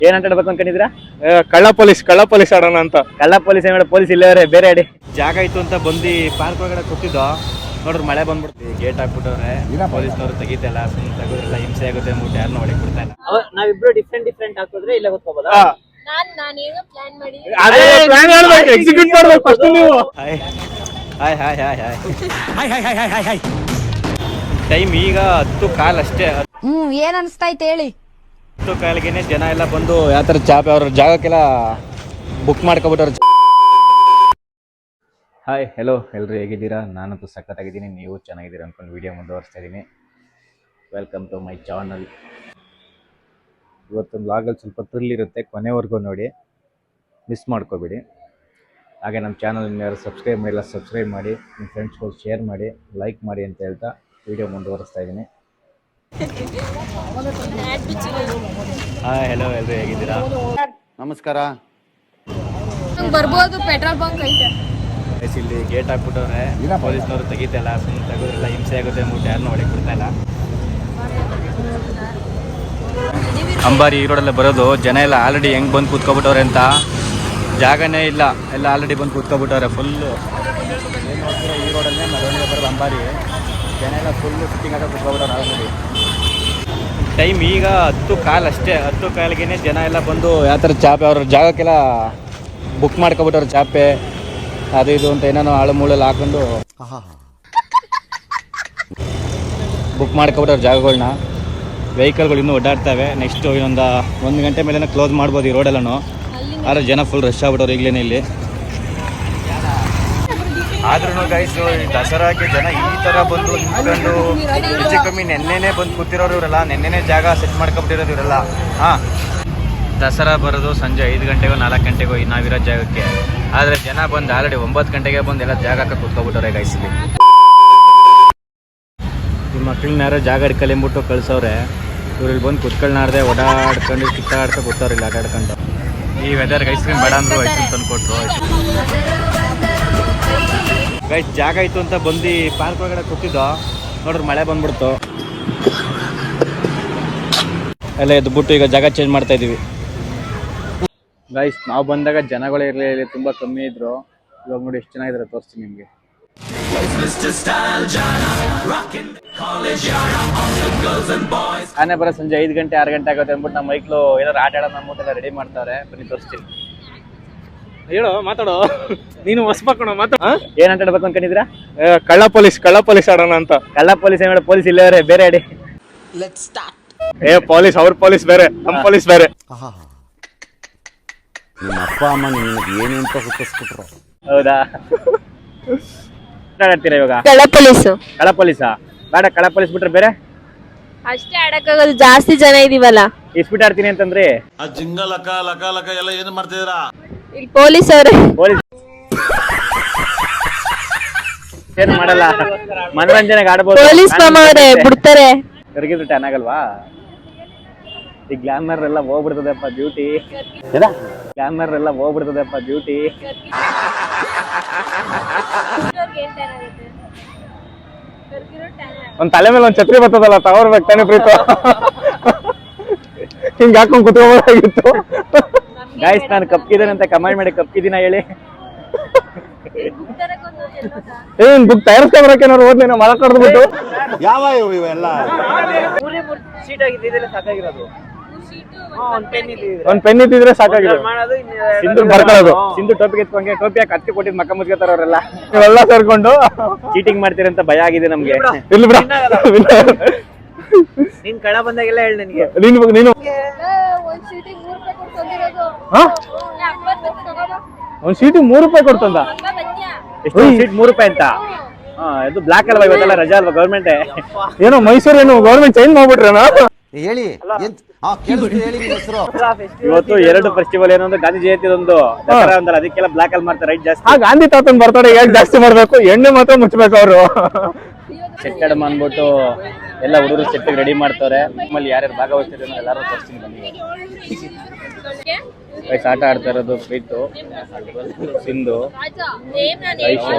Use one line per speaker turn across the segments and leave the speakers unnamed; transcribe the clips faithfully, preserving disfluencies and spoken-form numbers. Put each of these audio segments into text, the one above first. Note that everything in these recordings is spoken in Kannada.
ಏನ್ ಆಟ ಆಡ್ಬೇಕು ಅನ್ಕೊಂಡಿದ್ದೀರಾ?
ಕಳ್ಳ ಪೊಲೀಸ್ ಕಳ್ಳ ಪೊಲೀಸ್ ಆಡೋಣ ಅಂತ.
ಕಳ್ಳ ಪೊಲೀಸ್ ಏನ್ ಪೊಲೀಸ್ ಇಲ್ಲವರೇ, ಬೇರೆ ಅಡಿ ಜಾಗ ಇತ್ತು ಅಂತ ಬಂದು ಪಾರ್ಕ್ ಒಳಗಡೆ ಕೂತಿದ್ದೋ. ನೋಡ್ರಿ ಮಳೆ ಬಂದ್ಬಿಡ್ತೀವಿ, ಗೇಟ್ ಹಾಕ್ಬಿಟ್ಟವ್ರೆ, ಪೊಲೀಸ್ನವರು ತೆಗಿತಲ್ಲ, ಸುಮ್ಮನೆ ತೆಗೋದ್ರೆಲ್ಲ ಹಿಂಸೆ ಆಗುತ್ತೆ ಅಂದ್ಬಿಟ್ಟು ಯಾರನ್ನ ಒಳಗೆ ಬಿಡ್ತಾ ಇಲ್ಲ. ನಾವಿಬ್ರು ಡಿಫ್ರೆಂಟ್ ಡಿಫ್ರೆಂಟ್ ಹಾಕಿದ್ರೆ ಇಲ್ಲ ಗೊತ್ಕೋಬೋದಾ?
ನಾನ್ ನಾನೇನೋ ಪ್ಲಾನ್ ಮಾಡಿ
ಅದೇ ಪ್ಲಾನ್ ಮಾಡ್ಬೇಕು, ಎಕ್ಸಿಕ್ಯೂಟ್ ಮಾಡ್ಬೇಕು ಫಸ್ಟ್ ನೀವು.
Hi hi hi hi hi hi hi hi hi time ಈಗ ಹತ್ತು ಕಾಲ್ ಅಷ್ಟೇ.
ಹ್ಮ್ ಏನ್ ಅನ್ಸ್ತಾಯ್ತು ಹೇಳಿ.
ಹತ್ತು ಕಾಲಿಗೆನೆ ಜನ ಎಲ್ಲ ಬಂದು ಯಾವ ಥರ ಚಾಪೆ ಅವ್ರ ಜಾಗಕ್ಕೆಲ್ಲ ಬುಕ್ ಮಾಡ್ಕೊಬಿಟ್ಟವ್ರು. ಹಾಯ್ ಹೆಲೋ ಎಲ್ಲರೂ ಹೇಗಿದ್ದೀರಾ? ನಾನಂತೂ ಸಖತ್ತಾಗಿದ್ದೀನಿ, ನೀವು ಚೆನ್ನಾಗಿದ್ದೀರಾ ಅಂದ್ಕೊಂಡು ವೀಡಿಯೋ ಮುಂದುವರಿಸ್ತಾ ಇದ್ದೀನಿ. Welcome to my channel. ಇವತ್ತೊಂದು ಲಾಗಲ್ಲಿ ಸ್ವಲ್ಪ ಥ್ರಿಲ್ ಇರುತ್ತೆ, ಕೊನೆವರೆಗೂ ನೋಡಿ, ಮಿಸ್ ಮಾಡ್ಕೋಬೇಡಿ. ಹಾಗೆ ನಮ್ಮ ಚಾನಲ್ ಯಾರು ಸಬ್ಸ್ಕ್ರೈಬ್ ಮಾಡಿಲ್ಲ ಸಬ್ಸ್ಕ್ರೈಬ್ ಮಾಡಿ, ನಿಮ್ಮ ಫ್ರೆಂಡ್ಸ್ಗಳು ಶೇರ್ ಮಾಡಿ, ಲೈಕ್ ಮಾಡಿ ಅಂತ ಹೇಳ್ತಾ ವೀಡಿಯೋ ಮುಂದುವರಿಸ್ತಾ ಇದ್ದೀನಿ. ಹಾಯ್ ಹೆಲೋ ಎಲ್ಲರೂ ಹೇಗಿದ್ದೀರಾ?
ನಮಸ್ಕಾರ.
ಬರ್ಬೋದು, ಪೆಟ್ರೋಲ್ ಬಂಕ್ ಐತೆ.
ಇಲ್ಲಿ ಗೇಟ್ ಹಾಕ್ಬಿಟ್ಟವ್ರೆ, ಪೊಲೀಸ್ನವರು ತೆಗಿತಲ್ಲ, ಸುಮ್ಮನೆ ತೆಗೋದ್ರೆಲ್ಲ ಹಿಂಸೆ ಆಗುತ್ತೆ ಅಂದ್ಬಿಟ್ಟು ಯಾರನ್ನ ಒಳಗೆ ಬಿಡ್ತಾ ಇಲ್ಲ. ಅಂಬಾರಿ ಈ ರೋಡಲ್ಲೇ ಬರೋದು. ಜನ ಎಲ್ಲ ಆಲ್ರೆಡಿ ಹೆಂಗೆ ಬಂದು ಕೂತ್ಕೊಬಿಟ್ಟವ್ರೆ ಅಂತ ಜಾಗನೇ ಇಲ್ಲ, ಎಲ್ಲ ಆಲ್ರೆಡಿ ಬಂದು ಕೂತ್ಕೊಬಿಟ್ಟವ್ರೆ ಫುಲ್ಲು. ಏನು ನೋಡ್ತೀರಾ, ಈ ರೋಡಲ್ಲೇ ಮೆರವಣಿಗೆ ಬರೋದು ಅಂಬಾರಿ. ಜನ ಎಲ್ಲ ಫುಲ್ಲು ಸಿಟ್ಟಿಂಗ್ ಆಗ ಕೂತ್ಕೊಬಿಟ್ಟವ್ರೆ ಆಲ್ರೆಡಿ. ಟೈಮ್ ಈಗ ಹತ್ತು ಕಾಲ್ ಅಷ್ಟೇ. ಹತ್ತು ಕಾಲಿಗೆ ಜನ ಎಲ್ಲ ಬಂದು ಯಾವ ಥರ ಚಾಪೆ ಅವ್ರ ಜಾಗಕ್ಕೆಲ್ಲ ಬುಕ್ ಮಾಡ್ಕೊಬಿಟ್ಟವ್ರೆ, ಚಾಪೆ ಅದು ಇದು ಅಂತ ಏನೇನೋ ಆಳು ಮೂಳಲ್ಲಿ ಹಾಕೊಂಡು ಬುಕ್ ಮಾಡ್ಕೊಬಿಟ್ಟವ್ರು ಜಾಗಗಳನ್ನ. ವೆಹಿಕಲ್ಗಳು ಇನ್ನೂ ಓಡಾಡ್ತವೆ. ನೆಕ್ಸ್ಟು ಇನ್ನೊಂದು ಒಂದು ಗಂಟೆ ಮೇಲೆ ಕ್ಲೋಸ್ ಮಾಡ್ಬೋದು ಈ ರೋಡೆಲ್ಲೂ. ಆದರೆ ಜನ ಫುಲ್ ರಶ್ ಆಗ್ಬಿಟ್ಟವ್ರು ಈಗಲೇ ಇಲ್ಲಿ. ಆದ್ರೂ ಗೈಸು ದಸರಾಗೆ ಜನ ಈ ಥರ ಬಂದು ನಿಂತ್ಕೊಂಡು ಹೆಚ್ಚು ಕಮ್ಮಿ ನೆನ್ನೆನೇ ಬಂದು ಕೂತಿರೋರು ಇವರೆಲ್ಲ, ನೆನ್ನೆನೇ ಜಾಗ ಸೆಟ್ ಮಾಡ್ಕೊಬಿಟ್ಟಿರೋದು ಇವರೆಲ್ಲ. ಹಾಂ, ದಸರಾ ಬರೋದು ಸಂಜೆ ಐದು ಗಂಟೆಗೋ ನಾಲ್ಕು ಗಂಟೆಗೋ ನಾವಿರೋ ಜಾಗಕ್ಕೆ. ಆದರೆ ಜನ ಬಂದು ಆಲ್ರೆಡಿ ಒಂಬತ್ತು ಗಂಟೆಗೆ ಬಂದು ಎಲ್ಲ ಜಾಗಕ್ಕೆ ಕೂತ್ಕೊಬಿಟ್ಟವ್ರೆ ಗೈಸಲ್ಲಿ. ಈ ಮಕ್ಳನ್ನ ಯಾರೋ ಜಾಗ ಹಿಡ್ಕಲ್ಲಿ ಅಂದ್ಬಿಟ್ಟು ಕಳ್ಸವ್ರೆ. ಇವ್ರು ಇಲ್ಲಿ ಬಂದು ಕುತ್ಕೊಳ್ನಾರ್ದೆ ಓಡಾಡ್ಕೊಂಡು ಕಿತ್ತಾಡ್ಕೊಂಡು ಕೂತವ್ರೆ ಇಲ್ಲಿ ಆಟಾಡ್ಕೊಂಡು. ಈ ವೆದರ್ ಐಸ್ ಕ್ರೀಮ್ ಬೇಡ ಅಂದರು ಐಸ್ ಕ್ರೀಮ್ ತಂದು ಕೊಟ್ಟರು. ಗೈಸ್ ಜಾಗ ಇತ್ತು ಅಂತ ಬಂದು ಪಾರ್ಕ್ ಒಳಗಡೆ ಕೂತಿದ್ದೋ. ನೋಡ್ರಿ ಮಳೆ ಬಂದ್ಬಿಡ್ತು, ಎಲ್ಲ ಎದ್ಬಿಟ್ಟು ಈಗ ಜಾಗ ಚೇಂಜ್ ಮಾಡ್ತಾ ಇದೀವಿ. ಗೈಸ್ ನಾವು ಬಂದಾಗ ಜನಗಳು ಇರಲಿಲ್ಲ, ತುಂಬ ಕಮ್ಮಿ ಇದ್ರು. ಇವಾಗ ನೋಡಿ ಎಷ್ಟು ಜನ ಇದ್ದಾರೆ, ತೋರಿಸ್ತೀನಿ ನಿಮಗೆ. ಆನೆ ಬರೋ ಸಂಜೆ ಐದು ಗಂಟೆ ಆರು ಗಂಟೆ ಆಗುತ್ತೆ ಅಂದ್ಬಿಟ್ಟು ನಮ್ಮ ಮೈಕ್ಲು ಏನಾರು ಆಟ ಆಡೋಣ ಅಂದ್ಬಿಟ್ಟು ರೆಡಿ ಮಾಡ್ತಾರೆ. ಬನ್ನಿ ತೋರಿಸ್ತೀನಿ.
ಹೇಳೋ, ಮಾತಾಡೋ, ನೀನು ಹೊಸಬಾಕೋಣ ಮಾತಾಡ.
ಏನ್ ಆಟ ಆಡ್ಬೇಕು ಅನ್ಕೊಂಡಿದ್ದೀರಾ?
ಕಳ್ಳ ಪೊಲೀಸ್ ಕಳ್ಳ ಪೊಲೀಸ್ ಆಡೋಣ ಅಂತ.
ಕಳ್ಳ ಪೊಲೀಸ್ ಏನ್ ಪೊಲೀಸ್ ಇಲ್ಲವರೇ, ಬೇರೆ ಅಡಿ
ಏ ಪೊಲೀಸ್ ಅವ್ರ ಪೊಲೀಸ್ ಬೇರೆ, ನಮ್ಮ ಪೊಲೀಸ್ ಬೇರೆ.
ನಿಮ್ಮ ಅಪ್ಪ ಅಮ್ಮ ನಿನಗೆ ಏನು ಅಂತ ಹುಟ್ಟಿಸ್ಬಿಟ್ರು.
ಹೌದಾ? ಆಡ್ತೀರಾ ಇವಾಗ?
ಕಳ್ಳ ಪೊಲೀಸು.
ಕಳ್ಳ ಪೊಲೀಸಾ ಬೇಡ, ಕಳ್ಳ ಪೊಲೀಸ್ ಬಿಟ್ರೆ ಬೇರೆ
ಅಷ್ಟೇ ಆಡಕ್ಕಾಗಲ್ಲ, ಜಾಸ್ತಿ ಜನ ಇದೀವಲ್ಲ.
ಇಸ್ಬಿಟ್ ಆಡ್ತೀನಿ ಅಂತಂದ್ರಿ.
ಆ ಜಿಂಗ ಲಕ ಲಕ ಲಕ ಎಲ್ಲ ಏನು ಮಾಡ್ತಿದ್ದೀರಾ?
ಇಲ್ಲಿ ಪೊಲೀಸ್ ಅವ್ರೆ.
ಪೊಲೀಸ್ ಏನು ಮಾಡಲ್ಲ, ಮನೋರಂಜನೆಗೆ ಆಡ್ಬೋದು.
ಪೊಲೀಸ್ ಮಾಮ ಅವ್ರೆ ಬಿಡ್ತಾರೆ.
ಕರ್ಗಿದ್ರೆ ಟ್ಯಾನ್ ಆಗಲ್ವಾ? ಈ ಗ್ಲಾಮರ್ ಎಲ್ಲ ಹೋಗ್ಬಿಡ್ತದಪ್ಪ ಬ್ಯೂಟಿ. ಗ್ಲಾಮರ್ ಎಲ್ಲ ಹೋಗ್ಬಿಡ್ತದಪ್ಪ ಬ್ಯೂಟಿ.
ಒಂದ್ ತಲೆ ಮೇಲೆ ಒಂದ್ ಛತ್ರಿ ಬರ್ತದಲ್ಲ, ತಗೋರ್ಬೇಕು ತಾನೇ ಪ್ರೀತು. ಹಿಂಗ ಹಾಕೊಂಡ್ ಕುತ್ಕೋಬೋದಾಗಿತ್ತು.
ಗೈಸ್ ನಾನು ಕಪ್ಪಿದ್ದೇನೆ ಅಂತ ಕಮೆಂಟ್ ಮಾಡಿ, ಕಪ್ಪಿದ್ದೀನ ಹೇಳಿ.
ಏನ್ ಬುಕ್ ತಯಾರಿಸ್ಕೊಂಡ್ಬರಕ್ಕೆ ನಾವು ಓದ್ಲೇನೋ ಮಳ ಕಡ್ದ್ಬಿಟ್ಟು.
ಯಾವ ಇವೆಲ್ಲ
ಸೀಟ್ ಆಗಿದ್ದಿದ್ರೆ ಸಾಕಾಗಿರೋದು.
ಒಂದ್ ಪೆನ್ ಇದ್ದಿದ್ರೆ ಸಾಕಾಗಿರೋದು.
ಸಿಂಧು ಬರ್ಕೊಳ್ಳೋದು, ಸಿಂಧು ಟೋಪಿ ಎತ್ಕೊಂಡ್ಗೆ ಟೋಪಿ ಹಾಕಿ ಹತ್ತಿ ಕೊಟ್ಟಿದ್ ಮಕ್ಕ ಮುಚ್ಕೋತಾರ ಅವರೆಲ್ಲ.
ನೀವೆಲ್ಲ ಸೇರ್ಕೊಂಡು
ಚೀಟಿಂಗ್ ಮಾಡ್ತೀರಂತ ಭಯ ಆಗಿದೆ ನಮ್ಗೆ.
ಇಲ್ಲಿ ಬಿಡ,
ನೀನ್ ಕಳ ಬಂದಾಗೆಲ್ಲ ಹೇಳಿ ನನಗೆ.
ನೀನು ನೀನು ಒಂದ್ ಸೀಟಿಗೆ ಮೂರು ರೂಪಾಯಿ ಕೊಡ್ತಂದ.
ಎಷ್ಟು ಸೀಟ್? ಮೂರು ರೂಪಾಯಿ ಅಂತ. ಹಾ, ಇದು ಬ್ಲಾಕ್ ಅಲ್ವಾ, ಇವತ್ತೆಲ್ಲ ರಜಾ ಅಲ್ವಾ ಗೌರ್ಮೆಂಟ್.
ಏನೋ ಮೈಸೂರು ಏನು ಗೌರ್ಮೆಂಟ್ ಚೇಂಜ್ ಮಾಡ್ಬಿಟ್ರೇನೋ.
ಹೇಳಿ ಹೇಳಿ ಹೆಸರು.
ಇವತ್ತು ಎರಡು ಫೆಸ್ಟಿವಲ್, ಏನೊಂದು ಗಾಂಧಿ ಜಯಂತಿ, ಒಂದು ದಸರಾ ಒಂದಲ್ಲ, ಅದಕ್ಕೆಲ್ಲ ಬ್ಲಾಕ್ ಅಲ್ಲಿ ಮಾಡ್ತಾರೆ ರೈಟ್ ಜಾಸ್ತಿ.
ಆ ಗಾಂಧಿ ತಾತನ್ ಬರ್ತಾಡೆ ಹೇಗೆ ಜಾಸ್ತಿ ಮಾಡ್ಬೇಕು, ಎಣ್ಣೆ ಮಾತ್ರ ಮುಚ್ಚಬೇಕು ಅವರು.
ಸೆಟ್ ಮಾಡ್ಬಿಟ್ಟು ಎಲ್ಲ ಹುಡುಗರು ಸೆಟ್ ರೆಡಿ ಮಾಡ್ತಾರೆ. ನಿಮ್ಮಲ್ಲಿ ಯಾರ್ಯಾರು ಭಾಗವಹಿಸ್ತಾರೆ ಎಲ್ಲಾರು ತೋರಿಸ್ತೀನಿ ಬನ್ನಿ. ವಯಸ್ಸು ಆಟ ಆಡ್ತಾ ಇರೋದು ಪ್ರೀತು, ಸಿಂಧು, ಐಶು,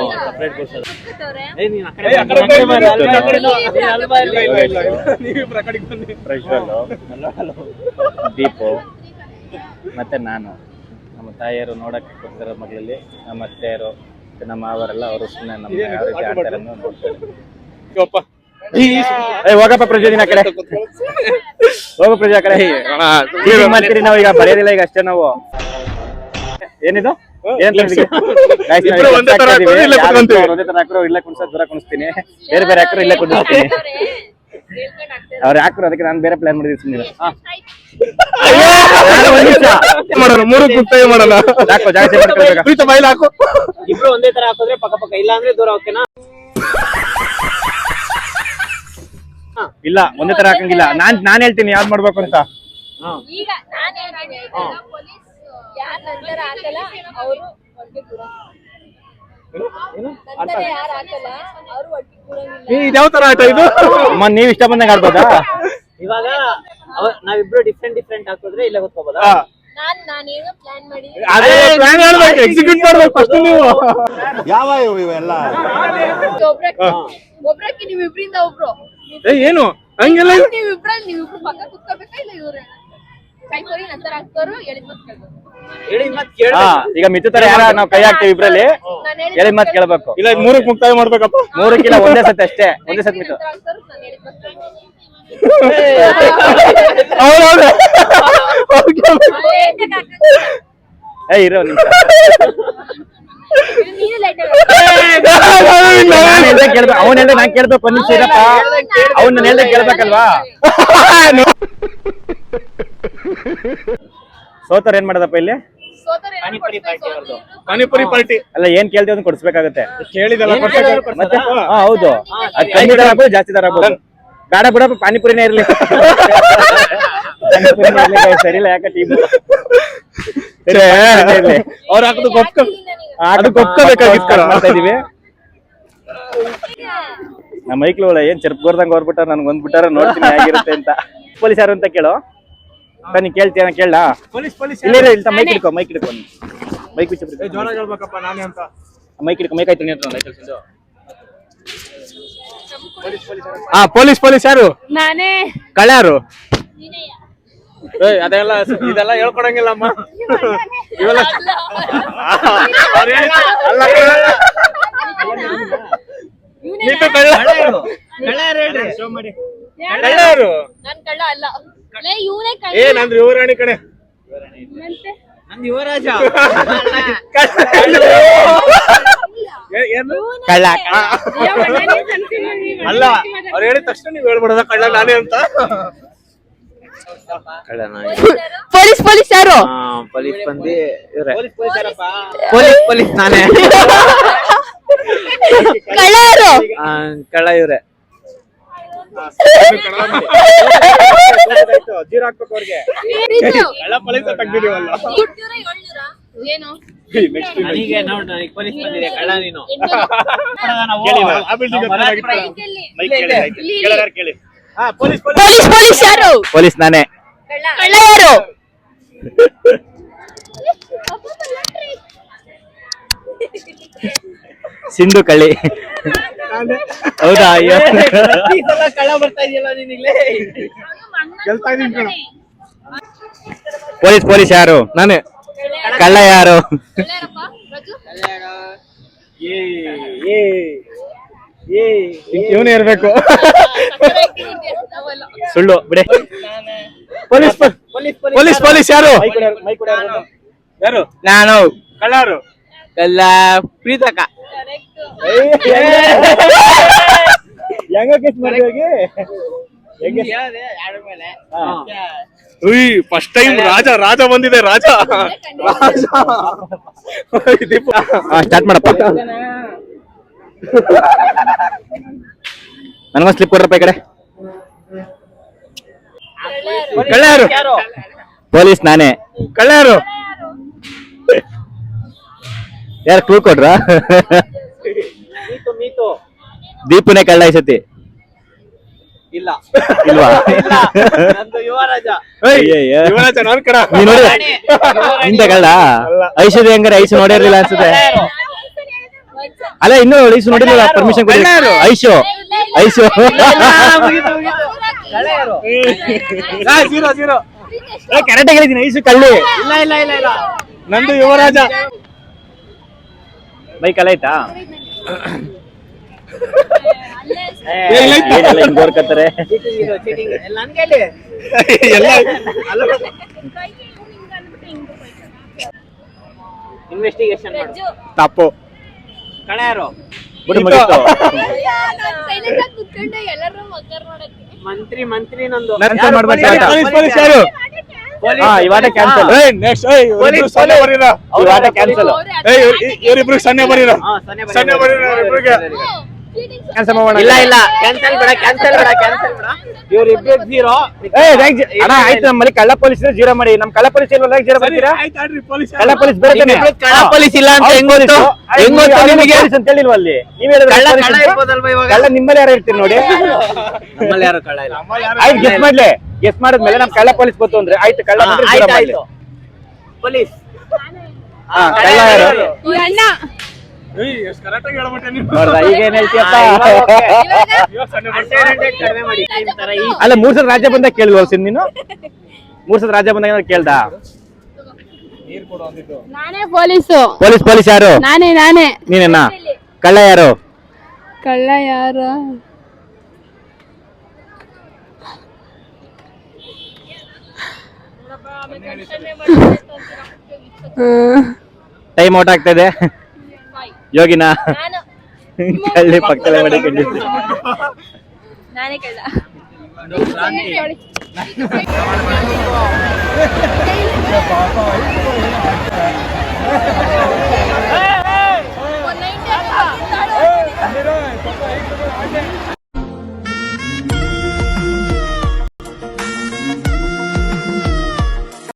ಪ್ರಜ್ವಲ್, ದೀಪು, ಮತ್ತೆ ನಾನು ನಮ್ಮ ತಾಯಿಯರು ನೋಡಕ್ಕೆ ಕೊಡ್ತಿರೋ ಮಗಳಲ್ಲಿ ನಮ್ಮ ಅತ್ತೆಯರು ಮತ್ತೆ ನಮ್ಮ ಮಾವರೆಲ್ಲ ಅವರು ಸುಮ್ಮನೆ ನಮ್ಮ ಯಾವ ರೀತಿ ಆಡ್ತಾರೆ ಅನ್ನೋದು ನೋಡ್ತಾರೆ. ಏ ಹೋಗಪ್ಪ ಪ್ರಜೋದಿನ ಕಡೆ ಹೋಗೋ ಪ್ರಜಾ ಕಡೆ ಹೀಗೆ ಮಾಡ್ತೀರಿ ನಾವು ಈಗ ಬರೆಯೋದಿಲ್ಲ ಈಗ ಅಷ್ಟೇ ನಾವು. ಏನಿದು ಏನ್ ಒಂದೇ ತರ ಹಾಕ್ರು ಇಲ್ಲೇ ಕುಣ್ಸೋದ್ ದೂರ ಕುಣಿಸ್ತೀನಿ, ಬೇರೆ ಬೇರೆ ಹಾಕ್ರು ಇಲ್ಲೇ ಕುಣಿಸ್ತೀನಿ. ಅವ್ರು ಹಾಕ್ರು ಅದಕ್ಕೆ ನಾನು ಬೇರೆ ಪ್ಲಾನ್ ಮಾಡಿದೀನಿ ಸುಮ್ಮನೆ.
ಮಾಡೋಣ ಮೂರು ಮುಕ್ತಾಯ ಮಾಡೋಣ.
ಹಾಕೋ ಜಾಸ್ತಿ
ಬೈಲ್ ಹಾಕು.
ಇಬ್ರು ಒಂದೇ ತರ ಹಾಕಿದ್ರೆ ಪಕ್ಕ ಪಕ್ಕ, ಇಲ್ಲ ಅಂದ್ರೆ ದೂರ ಹೋಗ್ತೇನಾ?
ಇಲ್ಲ ಒಂದೇ ತರ ಹಾಕಂಗಿಲ್ಲ. ನಾನ್ ನಾನ್ ಹೇಳ್ತೀನಿ ಯಾವ್ದು ಮಾಡ್ಬೇಕು ಅಂತ.
ಈಗ ನಾನು ಹೇಳ್ತೀನಿ ಆಯ್ತಾ, ಪೊಲೀಸ್ ಯಾರ ನಂತರ ಹಾಕಲ್ಲ ಅವರು ಒಟ್ಟಿಗೆ ಕೂಡ ನಂತರ ಯಾರು ಹಾಕಲ್ಲ ಅವರು ಒಟ್ಟಿಗೆ ಕೂರಂಗಿಲ್ಲ.
ಇದ್ಯಾವ ತರ ಆಟ ಇದು?
ಅಮ್ಮ ನೀವ್ ಇಷ್ಟ ಬಂದಂಗ ಆಡ್ಬೋದಾ?
ಇವಾಗ ಅವ- ನಾವಿಬ್ರು ಡಿಫ್ರೆಂಟ್ ಡಿಫ್ರೆಂಟ್ ಹಾಕಿದ್ರೆ ಇಲ್ಲೇ ಗೊತ್ಕೋಬೋದಾ?
ನಾನ್ ನಾನೇನೋ ಪ್ಲಾನ್ ಮಾಡಿದ್ದೀನಿ.
ಅದೇ ಪ್ಲಾನ್ ಮಾಡ್ಬೇಕು, ಎಕ್ಸಿಕ್ಯೂಟ್ ಮಾಡ್ಬೇಕು ಫಸ್ಟ್ ನೀವು.
ಯಾವ ಇವೆಲ್ಲ
ಒಬ್ರಕ್ಕೆ ಒಬ್ರಕ್ಕೆ ನೀವು ಇಬ್ರಿಂದ ಒಬ್ರು
ಏ ಏನು ಹಂಗೆಲ್ಲ ಇದು?
ನೀವು ಇಬ್ರಲ್ಲಿ ನೀವು ಇಬ್ರು ಪಕ್ಕ ಕುತ್ಕೋಬೇಕಾ ಇಲ್ಲ ಇವ್ರೆ ಕೈ ಕೊರಿ ನಂತರ ಹಾಕ್ತಾರು ಹೇಳಿದ್ ಮತ್ ಕೇಳ್ಬೇಕು.
ಹೇಳಿ ಮತ್
ಹಾ
ಕೇಳ.
ಈಗ ಮಿತ್ತು ತರ ಯಾರ ನಾವ್ ಕೈ ಹಾಕ್ತಿವಿ ಇಬ್ರಲ್ಲಿ,
ನಾನು
ಹೇಳಿದ್ ಮಾತ್ ಕೇಳ್ಬೇಕು.
ಇಲ್ಲ ಇದ್ ಮೂರಕ್ಕೆ ಮುಕ್ತಾಯ ಮಾಡ್ಬೇಕಪ್ಪ.
ಮೂರಕ್ಕಿಲ್ಲ ಒಂದೇ ಸತಿ ಅಷ್ಟೇ, ಒಂದೇ ಸತಿ ಮಿತ್ತು.
ನಾನು ಹೇಳಿದ್ ಮತ್ ಕೇಳ್ಬೇಕು.
ಹೌದೌದು.
ಏ ಇರೋ ನಿಮಿಷ.
ನೀನು ಲೈಟ್
ನಾನ್ ಹೇಳ್ದೆ ಕೇಳ್ಬೇಕು, ಅವ್ನ್ ಹೇಳ್ದೆ ನಾನ್ ಕೇಳ್ಬೇಕು. ಒಂದ್ ನಿಮಿಷ ಇರಪ್ಪ, ಅವ್ನ್ ನಾನು ಹೇಳ್ದೆ ಕೇಳ್ಬೇಕಲ್ವಾ? ಸೋತರ್ ಏನ್ ಮಾಡೋದಪ್ಪ ಇಲ್ಲಿ?
ಪಾನಿಪುರಿ ಪಾರ್ಟಿ ಅವ್ರದ್ದು.
ಪಾನಿಪುರಿ ಪಾರ್ಟಿ
ಅಲ್ಲ ಏನ್ ಕೇಳ್ತೀವಿ ಅದನ್ನ ಕೊಡ್ಸ್ಬೇಕಾಗತ್ತೆ.
ಕೇಳಿದಲ್ಲ
ಮತ್ತೆ ಹಾ ಹೌದು, ಅದ್ ಕಮ್ಮಿ ದರ ಆಗ್ಬೋದು ಜಾಸ್ತಿ ದರ ಆಗ್ಬೋದು. ಬೇಡ ಬಿಡಪ್ಪ ಪಾನಿಪುರಿನೇ ಇರ್ಲಿ. ಪಾನಿಪುರಿನೇ ಇರ್ಲಿ guys, ಸರಿ ಇಲ್ಲ ಯಾಕೆ ಟೀಮ್
ಅವ್ರ ಹಾಕದು ಗೊಪ್ಕ ಅದು ಗೊಪ್ಕೋಬೇಕಾಗಿತ್ತು.
ಮಾಡ್ತಾ ಇದೀವಿ ನಮ್ಮ ಮೈಕ್ಳು ಏನ್ ಚೆರ್ಪ್ಗೋರ್ದಂಗ್ ಹೊರ್ಬಿಟ್ಟಾರ, ನನ್ಗೆ ಒಂದ್ಬಿಟ್ಟಾರ ನೋಡ್ತೀನಿ ಹೇಗಿರುತ್ತೆ ಅಂತ. ಪೊಲೀಸ್ ಯಾರು ಅಂತ ಕೇಳು. ನೀ ಕೇಳ್ತೀಯ ಕೇಳ?
ಪೊಲೀಸ್ ಪೊಲೀಸ್
ಇಲ್ಲ ಇಲ್ಲ ಮೈಕ್ ಹಿಡ್ಕೊ, ಮೈಕ್ ಹಿಡ್ಕೊ, ಮೈಕ್ ಬಿಚ್ಚ
ಜೋರ ಹೇಳ್ಬೇಕಪ್ಪ ನಾನೇ ಅಂತ.
ಮೈಕ್ ಹಿಡ್ಕೊ, ಮೈಕ್ ಆಯ್ತು ನೀನು
ಹಾ ಪೊಲೀಸ್ ಪೊಲೀಸ್ ಯಾರು?
ನಾನೇ
ಕಳ್ಳ ಯಾರು? ಅದೆಲ್ಲ ಇದೆಲ್ಲ ಹೇಳ್ಕೊಡಂಗಿಲ್ಲಮ್ಮ ಇವೆಲ್ಲ. ನೀನು ಕಳ್ಳ ಕಳ್ಳ ಯಾರು?
ನಾನ್ ಕಳ್ಳ ಅಲ್ಲ, ಇವನೇ ಕಳ್ಳ.
ಏ ನಂದು ಯುವರಾಣಿ ಕಡೆ.
ನಂದು ಯುವರಾಜ.
ಏನು
ಕಳ್ಳ.
ಅಲ್ಲ ಅವ್ರು ಹೇಳಿದ ತಕ್ಷಣ ನೀವ್ ಹೇಳ್ಬಿಡೋದ ಕಳ್ಳ ನಾನೇ ಅಂತ.
ಪೊಲೀಸ್ ಪೊಲೀಸ್ ಯಾರು?
ಪೊಲೀಸ್ ಬಂದಿ ಇವ್ರೆ.
ಪೊಲೀಸ್ ಪೊಲೀಸ್ ಯಾರಪ್ಪ?
ಪೊಲೀಸ್ ಪೊಲೀಸ್ ನಾನೇ.
ಕಳ್ಳ ಯಾರು?
ಆ, ಕಳ್ಳ ಇವ್ರೆ.
ಜೀರೋ ಹಾಕ್ಬೇಕು ಅವ್ರಿಗೆ. ಕಳ್ಳ ಪೊಲೀಸ್ ತೆಗ್ದಿದೀವಲ್ಲ.
ಏನು
ನೆಕ್ಸ್ಟ್
ನನಗೆ ನೋಡ್ ನನಗೆ ಪೊಲೀಸ್ ಬಂದಿದೆ, ಕಳ್ಳ ನೀನು.
ಕೇಳಿ. ಹಾ ಪೊಲೀಸ್ ಪೊಲೀಸ್
ಪೊಲೀಸ್ ಪೊಲೀಸ್ ಯಾರು?
ಪೊಲೀಸ್ ನಾನೇ.
ಕಳ್ಳ ಯಾರು?
ಸಿಂಧು ಕಳ್ಳಿ. ಹೌದಾ? ಅಯ್ಯೋ
ಕಳ್ಳ ಬರ್ತಾ ಇದೆಯಲ್ಲ ನಿನಗೆ.
ಗೆಲ್ತಾ ಇದೀನಿ ಕಣ.
ಪೊಲೀಸ್ ಪೊಲೀಸ್ ಯಾರು?
ನಾನೇ.
ಕಳ್ಳ ಯಾರು?
ಇವನೇ ಇರ್ಬೇಕು.
ಸುಳ್ಳು ಬಿಡೆ.
ಪೊಲೀಸ್ ಪೊಲೀಸ್ ಪೊಲೀಸ್ ಯಾರು? ಯಾರು?
ನಾನು.
ಕಳ್ಳ ಯಾರು?
ಕಳ್ಳ ಪ್ರೀತಕ್ಕ.
ಹೆಂಗ ಕೇಸ್ ಮಾಡಿದ್ವಿ?
ಫಸ್ಟ್ ಟೈಮ್ ರಾಜ ರಾಜ ಬಂದಿದೆ. ರಾಜ
ಸ್ಟಾರ್ಟ್ ಮಾಡಪ್ಪ. ನನಗೊಂದು ಸ್ಲಿಪ್ ಕೊಡ್ರಪ್ಪ ಈ ಕಡೆ.
ಕಳ್ಳ ಯಾರು?
ಪೊಲೀಸ್ ನಾನೇ.
ಕಳ್ಳ ಯಾರು?
ಯಾರು ಕ್ಲೂ ಕೊಡ್ರ?
ಮೀತು ಮೀತು.
ದೀಪುನೇ ಕಳ್ಳ ಈ ಸತಿ.
ಇಲ್ಲ
ಇಲ್ವಾ?
ಇಲ್ಲ, ನಂದು ಯುವರಾಜ.
ಯುವರಾಜ ನಾನ್ ಕಡ.
ನೀ ನೋಡಿ ಇಂತ ಕಳ್ಳ. ಐಶ್ವರ್ಯ ಹೆಂಗಾರೆ ಐಸು ನೋಡಿರ್ಲಿಲ್ಲ ಅನ್ಸುತ್ತೆ. ಅಲ್ಲ ಇನ್ನು ಐಸು ನೋಡಿರ್ಲಿಲ್ಲ, ಪರ್ಮಿಷನ್ ಕೊಡಿ. ಐಶು ಐಶು
ಕಳ್ಳ ಯಾರು?
ಜೀರೋ ಜೀರೋ ಕರೆಕ್ಟ್ ಹೇಳಿದೀನಿ ಐಸು ಕಳ್ಳಿ.
ಇಲ್ಲ ಇಲ್ಲ ಇಲ್ಲ ಇಲ್ಲ
ನಂದು ಯುವರಾಜ. ಬೈಕ್ ಅಲ್ಲ ಆಯ್ತಾ? ಗೋರ್ಕತ್ತಾರೆ
ಚೀಟಿಂಗ್ ಎಲ್ಲ ನನ್ಗೆ ಹೇಳಿ
ಎಲ್ಲ
ಇನ್ವೆಸ್ಟಿಗೇಷನ್ ಮಾಡು
ತಪ್ಪು.
ಕಣ ಯಾರು
ಬಿಡು ಮುಗೀತು.
ಕುತ್ಕೊಂಡೆ ಎಲ್ಲರೂ ಮಕ್ಕರ್ ನೋಡಕ್ಕೆ
ಮಂತ್ರಿ ಮಂತ್ರಿ ನಂದು
Cancel ಮಾಡ್ಬೇಕು ಆಟ.
ಪೊಲೀಸ್
ಪೊಲೀಸ್ ಯಾರು?
ಪೊಲೀಸ್.
ಹಾ ಇವಾಟ ಕ್ಯಾನ್ಸಲ್. ಏ ನೆಕ್ಸ್ಟ್ ಏ ಇವ್ರಿಬ್ರು ಸೊನ್ನೆ ಬರೀರ. ಇವಾಟ ಕ್ಯಾನ್ಸಲ್. ಏ ಇವರಿಬ್ರು ಸೊನ್ನೆ ಬರೀರ.
ಹಾ, ಸೊನ್ನೆ ಬರೀ.
ಸೊನ್ನೆ ಬರೀರ ಇವರಿಬ್ರಿಗೆ. ಕ್ಯಾನ್ಸಲ್ ಮಾಡೋಣ.
ಇಲ್ಲ ಇಲ್ಲ ಕ್ಯಾನ್ಸಲ್ ಬೇಡ ಕ್ಯಾನ್ಸಲ್ ಬೇಡ ಕ್ಯಾನ್ಸಲ್ ಬೇಡ ಇವ್ರಿಬ್ರು ಜೀರೋ.
ಏ ರೈಟ್ ಅಣ್ಣ ಆಯ್ತು ನಮ್ಮಲ್ಲಿ ಕಳ್ಳ ಪೊಲೀಸ್ ಜೀರೋ ಮಾಡಿ. ನಮ್ ಕಳ್ಳ ಪೊಲೀಸ್ ಇಲ್ವಲ್ಲ ಜೀರೋ ಬರ್ತೀರಾ? ಕಳ್ಳ ಪೊಲೀಸ್ ಬೇರೆ ತಾನೆ?
ಕಳ್ಳ ಪೊಲೀಸ್ ಇಲ್ಲ ಅಂತ ಹೆಂಗ್ ಗೊತ್ತು? ಹೆಂಗ್ ಗೊತ್ತು ನಿಮಗೆ
ಅಂತ ಹೇಳಿಲ್ವ ಅಲ್ಲಿ? ನೀವ್ ಹೇಳಿದ್ರೆ
ಕಳ್ಳ
ಪೊಲೀಸ್
ಕಳ್ಳ
ಅಂತ?
ಇರ್ಬೋದಲ್ವಾ ಇವಾಗ?
ಕಳ್ಳ ನಿಮ್ಮಲ್ಲಿ ಯಾರು ಇರ್ತೀರಿ ನೋಡಿ.
ನಮ್ಮಲ್ಲಿ ಯಾರು ಕಳ್ಳ ಇಲ್ಲ.
ಆಯ್ತು ಗೆಸ್ ಮಾಡ್ಲೆ. ಗೆಸ್ ಮಾಡಿದ್ಮೇಲೆ ನಮ್ ಕಳ್ಳ ಪೊಲೀಸ್ ಗೊತ್ತು ಅಂದ್ರೆ ಆಯ್ತು ಕಳ್ಳ ಬಂದ್ರೆ ಜೀರೋ
ಆಯ್ತು
ಮಾಡ್ಲಿ.
ಆಯ್ತು ಪೊಲೀಸ್.
ಹಾ ಕಳ್ಳ ಯಾರು?
ಅಣ್ಣ
ನೋಡ್ದ ಈಗ ಏನ್ ಹೇಳ್ತೀಯಪ್ಪ?
ಕಡಿಮೆ ಮಾಡಿ ಈ ತರ ಈ
ಅಲ್ಲ ಮೂರ್ ಸಲ ರಾಜ್ಯ ಬಂದಾಗ ಕೇಳಿದ್ವ ಸಿನ್ ನೀನು? ಮೂರ್ ಸಲ ರಾಜ್ಯ ಬಂದಾಗ ಕೇಳ್ದ?
ನಾನೇ ಪೊಲೀಸು.
ಪೊಲೀಸ್ ಪೊಲೀಸ್ ಯಾರು?
ನಾನೇ ನಾನೇ
ನೀನೇನ? ಕಳ್ಳ ಯಾರು?
ಕಳ್ಳ ಯಾರು?
ಟೈಮ್ ಔಟ್ ಆಗ್ತಾ ಇದೆ. ಯೋಗಿನಾ
ನಾನು
ಕಳ್ಳಿ ಪಕ್ಕದಲ್ಲೇ ಮಾಡಿಕೊಂಡಿದ್ದೆ.
ನಾನೇ ಕಳ್ಳ.